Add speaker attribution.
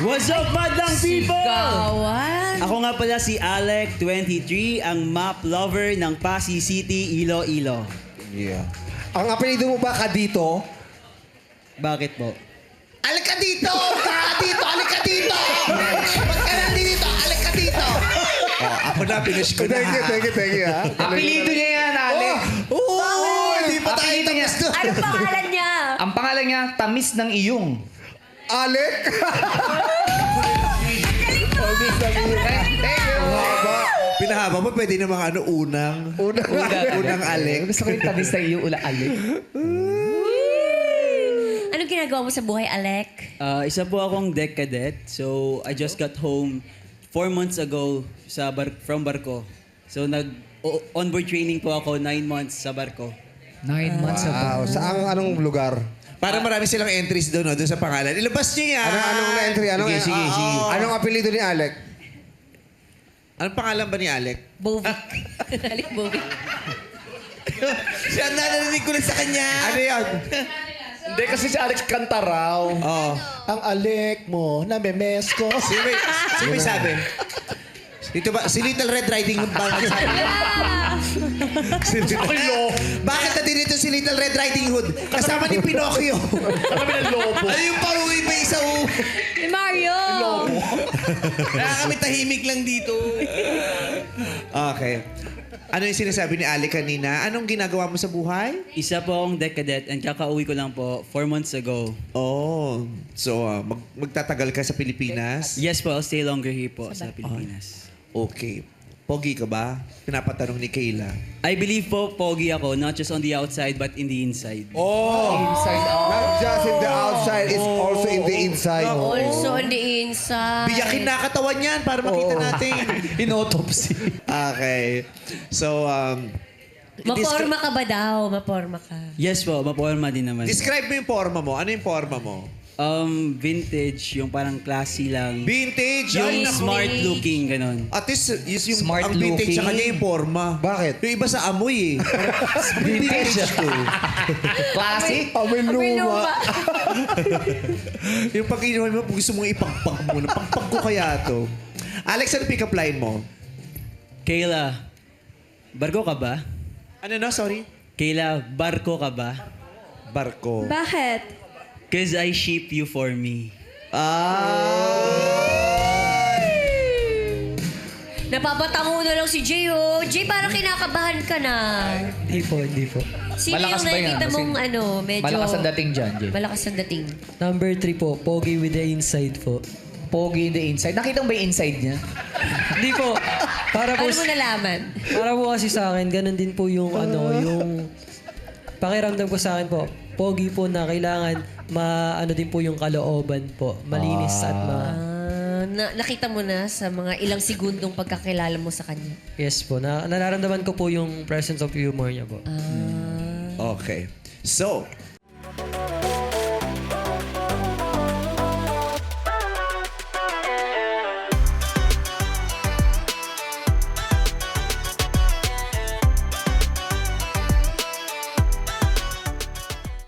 Speaker 1: What's up, madlang people?
Speaker 2: Gawan.
Speaker 1: Ako nga pala si Alec, 23, ang map lover ng Pasig City, Iloilo.
Speaker 3: Yeah. Ang apelido mo ba Kadito?
Speaker 1: Bakit po?
Speaker 3: Alik ka dito! Kadito! Alik ka dito! Ba't ka nandito? Alik ka dito! Oh, ako na, finish ko na ha.
Speaker 4: Thank you, ha?
Speaker 5: Apelido niya yan, Alec.
Speaker 3: Oo! Hindi pa tayo
Speaker 5: Apelido niya.
Speaker 3: tapos doon.
Speaker 2: Ano pangalan niya?
Speaker 5: Ang pangalan niya, Tamis ng Iyong.
Speaker 4: Alec!
Speaker 5: Thank you.
Speaker 3: Pinahaba mo, pwede namang ano, unang Alec.
Speaker 5: Gusto ko yung Tamis ng Iyong, Alec.
Speaker 2: Anong ginagawa mo sa buhay, Alec?
Speaker 1: Isa po akong deck cadet. So, I just got home 4 months ago from barko. So, nag-onboard training po ako 9 months sa barko.
Speaker 5: 9 months ago.
Speaker 4: Wow, saan anong lugar?
Speaker 3: Para marami silang entries doon, no? Doon sa pangalan. Ilabas niyo yan!
Speaker 4: Anong na-entry?
Speaker 1: Sige.
Speaker 4: Anong apelido ni Alec?
Speaker 3: Anong pangalan ba ni Alec?
Speaker 2: Bovic. Alec Bovic.
Speaker 3: Siya, narinig ko lang sa kanya.
Speaker 4: Ano yan?
Speaker 6: Hindi kasi si Alex kanta raw.
Speaker 3: Oh.
Speaker 6: Ang Alec mo, namemes ko.
Speaker 3: Sino may sabi? Dito ba? Si Little Red Riding Hood ba? Bakit na dito si Little Red Riding Hood? Kasama ni Pinocchio.
Speaker 6: Kami ng lobo.
Speaker 3: Ano yung paruwi ba isa o?
Speaker 2: Ni Mario.
Speaker 3: Kaya kami tahimik lang dito. Okay. Ano yung sinasabi ni Ali kanina? Anong ginagawa mo sa buhay?
Speaker 1: Isa po akong deck cadet and kakauwi ko lang po 4 months ago.
Speaker 3: Oh. So, magtatagal ka sa Pilipinas?
Speaker 1: Yes po, I'll stay longer here po sa Pilipinas.
Speaker 3: Okay. Pogi ka ba? Pinapatanong ni Kayla.
Speaker 1: I believe po, pogi ako, not just on the outside, but in the inside.
Speaker 5: Inside out.
Speaker 4: Not just in the outside, it's also in the inside.
Speaker 2: Also on the inside.
Speaker 3: Biyakin na katawan yan para makita natin.
Speaker 5: Inautopsy.
Speaker 3: Okay. So,
Speaker 2: Maporma ka ba daw? Maporma ka.
Speaker 1: Yes po, maporma din naman.
Speaker 3: describe mo yung forma mo. Ano yung forma mo?
Speaker 1: Vintage, yung parang classy lang.
Speaker 3: Vintage.
Speaker 1: Yung
Speaker 3: Ay, naku.
Speaker 1: smart looking, ganon.
Speaker 3: At least, yung
Speaker 5: Smart
Speaker 3: ang vintage sa
Speaker 5: looking.
Speaker 3: kanya yung forma.
Speaker 4: Bakit?
Speaker 3: Yung iba sa amoy eh. Vintage to.
Speaker 5: Classic.
Speaker 4: Amoy luma.
Speaker 3: Yung pag inuman mo, gusto mong ipagpag mo. Pagpag ko kaya to. Alex, ano pick-up line mo?
Speaker 1: Kayla, barko ka ba?
Speaker 3: Ano na? Sorry?
Speaker 1: Kayla, barko ka ba?
Speaker 3: Barko.
Speaker 2: Bakit?
Speaker 1: Cause I ship you for me.
Speaker 2: Napapatango na lang si Jay, oh. Jay, parang kinakabahan ka na.
Speaker 7: Hindi po.
Speaker 2: Sino
Speaker 5: Malakas
Speaker 2: yung
Speaker 5: ba yan?
Speaker 2: nakikita
Speaker 5: Kasi
Speaker 2: mong medyo...
Speaker 5: Malakas ang dating dyan, Jay.
Speaker 2: Malakas ang dating.
Speaker 7: Number 3 po, Pogi with the inside po.
Speaker 5: Pogi in the inside. Nakita mo ba yung inside niya?
Speaker 7: Hindi po. Para po,
Speaker 2: Paano mo nalaman?
Speaker 7: para po kasi sa akin, ganun din po yung yung pakiramdam ko sa akin po. Pogi po na kailangan ano din po yung kalooban po. Malinis at
Speaker 2: Nakita mo na sa mga ilang segundong pagkakilala mo sa kanya.
Speaker 7: yes po. Nararamdaman ko po yung presence of humor niya po.
Speaker 3: Okay. So,